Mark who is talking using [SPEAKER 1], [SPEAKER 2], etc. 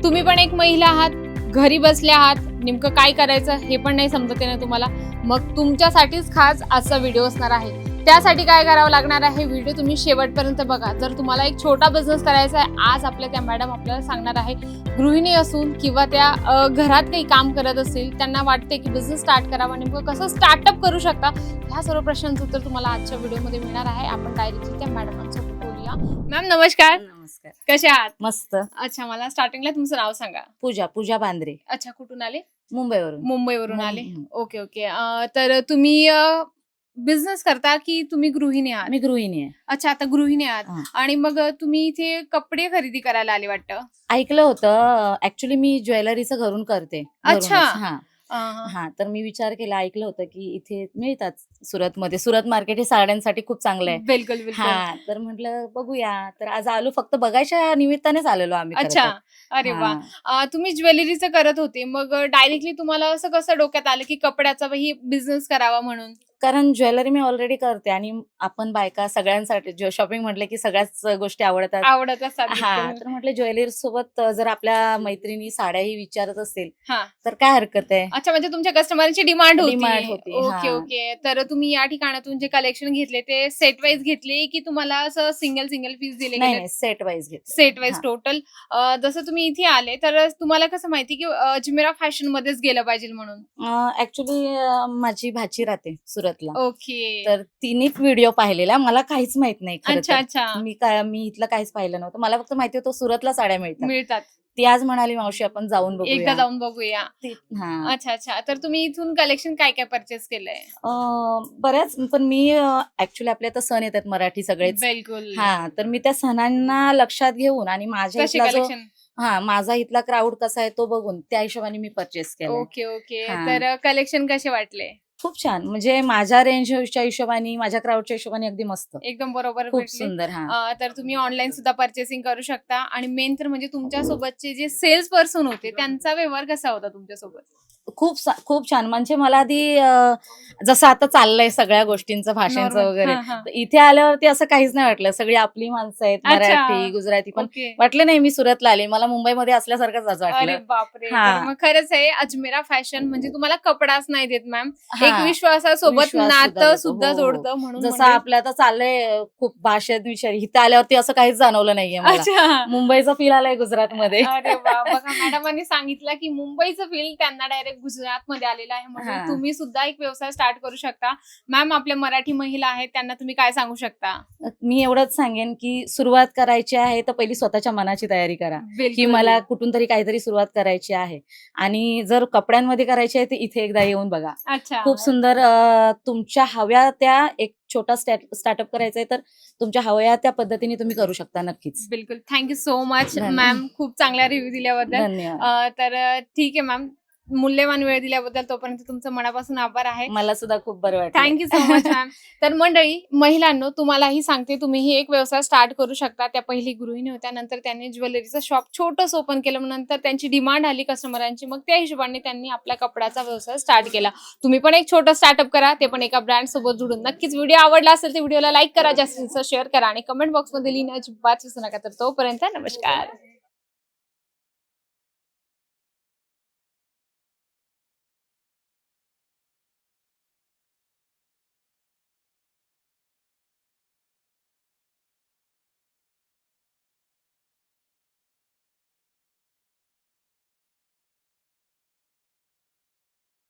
[SPEAKER 1] तुम्ही पण एक महिला आहात, घरी बसल्या आहात, नेमकं काय करायचं हे पण नाही समजत आहे ना तुम्हाला, मग तुमच्यासाठीच खास आजचा व्हिडिओ असणार आहे. त्यासाठी काय करावं लागणार आहे, व्हिडिओ तुम्ही शेवटपर्यंत बघा. जर तुम्हाला एक छोटा बिझनेस करायचा आहे, आज आपल्या त्या मॅडम आपल्याला सांगणार आहे. गृहिणी असून किंवा त्या घरात काही काम करत असतील, त्यांना वाटते की बिझनेस स्टार्ट करावा, नेमकं कसं स्टार्टअप करू शकता, ह्या सर्व प्रश्नांचं उत्तर तुम्हाला आजच्या व्हिडिओमध्ये मिळणार आहे. आपण डायरेक्टली त्या मॅडमांसोबत बोलूया. मॅम नमस्कार.
[SPEAKER 2] नमस्कार.
[SPEAKER 1] कशा आहात?
[SPEAKER 2] मस्त.
[SPEAKER 1] अच्छा, मला स्टार्टिंगला तुमचं नाव सांगा.
[SPEAKER 2] पूजा बांद्रे.
[SPEAKER 1] अच्छा, कुठून आले?
[SPEAKER 2] मुंबईवरून.
[SPEAKER 1] मुंबईवरून आले. Okay okay. तर तुम्ही बिझनेस करता की तुम्ही गृहिणी आहात?
[SPEAKER 2] मी गृहिणी आहे.
[SPEAKER 1] अच्छा, आता गृहिणी आहात.
[SPEAKER 2] हा.
[SPEAKER 1] आणि मग तुम्ही इथे कपडे खरेदी करायला आले वाटतं?
[SPEAKER 2] ऐकलं होतं. ऍक्च्युली मी ज्वेलरीचं घरून करते.
[SPEAKER 1] अच्छा.
[SPEAKER 2] हा तर मी विचार केला, ऐकलं होतं की इथे मिळतात सुरतमध्ये. सुरत मार्केट हे साड्यांसाठी खूप चांगलं आहे.
[SPEAKER 1] बिलकुल बिलकुल.
[SPEAKER 2] हा तर म्हटलं बघूया. तर आज आलो, फक्त बघायच्या निमित्तानेच आलेलो आम्ही.
[SPEAKER 1] अच्छा, अरे वा. तुम्ही ज्वेलरीचं करत होते, मग डायरेक्टली तुम्हाला असं कसं डोक्यात आलं की कपड्याचा ही बिझनेस करावा म्हणून?
[SPEAKER 2] कारण ज्वेलरी मी ऑलरेडी करते आणि आपण बायका सगळ्यांसाठी शॉपिंग म्हटलं की सगळ्याच गोष्टी आवडतात.
[SPEAKER 1] असतात.
[SPEAKER 2] हा तर म्हटलं ज्वेलरी सोबत जर आपल्या मैत्रिणी साड्याही विचारत असतील
[SPEAKER 1] हा.
[SPEAKER 2] तर काय हरकत आहे.
[SPEAKER 1] अच्छा, म्हणजे तुमच्या कस्टमरची डिमांड होती.
[SPEAKER 2] होती.
[SPEAKER 1] Okay okay. तर तुम्ही या ठिकाणातून जे कलेक्शन घेतले ते सेट वाईज घेतले की तुम्हाला असं सिंगल पीस दिले?
[SPEAKER 2] नाही, सेट वाईज घेतले.
[SPEAKER 1] Set wise total. जसं तुम्ही इथे आले तर तुम्हाला कसं माहिती की अजमेरा फॅशन मध्येच गेलं पाहिजे म्हणून?
[SPEAKER 2] ऍक्च्युली माझी भाची राहते सुरतला.
[SPEAKER 1] ओके.
[SPEAKER 2] तर तिने व्हिडिओ पाहिलेला, मला काहीच माहित नाही.
[SPEAKER 1] अच्छा अच्छा.
[SPEAKER 2] मी इथलं काहीच पाहिलं नव्हतं. मला फक्त माहिती होतं सुरतला साड्या
[SPEAKER 1] मिळतात.
[SPEAKER 2] ती आज म्हणाली, मावशी आपण जाऊन बघूया.
[SPEAKER 1] एकदा जाऊन बघूया.
[SPEAKER 2] हा.
[SPEAKER 1] अच्छा अच्छा. तर तुम्ही इथून कलेक्शन काय काय परचेस केलंय?
[SPEAKER 2] बऱ्याच. पण मी ऍक्च्युली आपल्या तर सण येतात मराठी सगळेच.
[SPEAKER 1] बिलकुल.
[SPEAKER 2] हा तर मी त्या सणांना लक्षात घेऊन आणि माझ्या
[SPEAKER 1] कलेक्शन.
[SPEAKER 2] माझा इथला क्राऊड कसा आहे तो बघून त्या हिशोबाने मी परचेस केलं.
[SPEAKER 1] Okay okay. तर कलेक्शन कसे वाटले?
[SPEAKER 2] खूप छान. म्हणजे माझ्या रेंजच्या हिशोबाने, माझ्या क्राऊडच्या हिशोबाने अगदी मस्त,
[SPEAKER 1] एकदम बरोबर.
[SPEAKER 2] खूप सुंदर. हा
[SPEAKER 1] तर तुम्ही ऑनलाईन सुद्धा परचेसिंग करू शकता. आणि मेन तर म्हणजे तुमच्या सोबतचे जे सेल्स पर्सन होते त्यांचा व्यवहार कसा होता तुमच्यासोबत?
[SPEAKER 2] खूप छान. म्हणजे मला आधी जसं आता चाललंय सगळ्या गोष्टींचं भाषणाचं वगैरे, इथे आल्यावरती असं काहीच नाही वाटलं. सगळी आपली माणसं आहेत, मराठी गुजराती. पण वाटलं नाही मी सुरतला आले, मला मुंबईमध्ये असल्यासारखंच वाटलं.
[SPEAKER 1] अरे बापरे. मग खरंच आहे, अजमेरा फॅशन म्हणजे तुम्हाला कपडाच नाही देत मॅम, एक विश्वासासोबत नातं सुद्धा जोडतं. म्हणून
[SPEAKER 2] जसं आपलं आता चाललंय खूप भाषेत विचार, इथे आल्यावरती असं काहीच जाणवलं नाहीये मला. मुंबईचा फील आलाय गुजरातमध्ये.
[SPEAKER 1] अरे वा. बघा, मॅडमांनी सांगितलं की मुंबईचं फील त्यांना डायरेक्ट गुजरात मध्ये आलेला आहे. म्हणून तुम्ही सुद्धा एक व्यवसाय स्टार्ट करू शकता. मॅम, आपल्या मराठी महिला आहेत त्यांना तुम्ही काय सांगू शकता?
[SPEAKER 2] मी एवढंच सांगेन की सुरुवात करायची आहे तर पहिली स्वतःच्या मनाची तयारी करा की मला कुठून तरी काहीतरी सुरुवात करायची आहे. आणि जर कपड्यांमध्ये करायची आहे तर इथे एकदा येऊन बघा. खूप सुंदर. तुमच्या हव्या त्या एक छोटा स्टार्टअप करायचा आहे तर तुमच्या हव्या त्या पद्धतीने तुम्ही करू शकता. नक्कीच.
[SPEAKER 1] बिलकुल. थँक्यू सो मच मॅम, खूप चांगला रिव्ह्यू दिल्याबद्दल.
[SPEAKER 2] धन्यवाद.
[SPEAKER 1] तर ठीक आहे मॅम, मूल्यवान वेळ दिल्याबद्दल तोपर्यंत तुमचं मनापासून आभार आहे.
[SPEAKER 2] मला सुद्धा खूप बरं वाटलं.
[SPEAKER 1] Thank you so much ma'am. तर मंडळी, महिलांनो, तुम्हालाही सांगते, तुम्हीही एक व्यवसाय स्टार्ट करू शकता. त्या पहिली गृहिणी होत्या, नंतर त्यांनी ज्वेलरीचं शॉप छोटंच ओपन केलं, नंतर त्यांची डिमांड आली कस्टमरांची, मग त्या हिशोबाने त्यांनी आपला कपड्याचा व्यवसाय स्टार्ट केला. तुम्ही पण एक छोटं स्टार्टअप करा, ते पण एका ब्रँड सोबत जुडून. नक्कीच व्हिडिओ आवडला असेल तर व्हिडिओला लाईक करा, जास्तीत जास्त शेअर करा आणि कमेंट बॉक्समध्ये लिहिण्याची अजिबात विसरू नका. तर तोपर्यंत नमस्कार.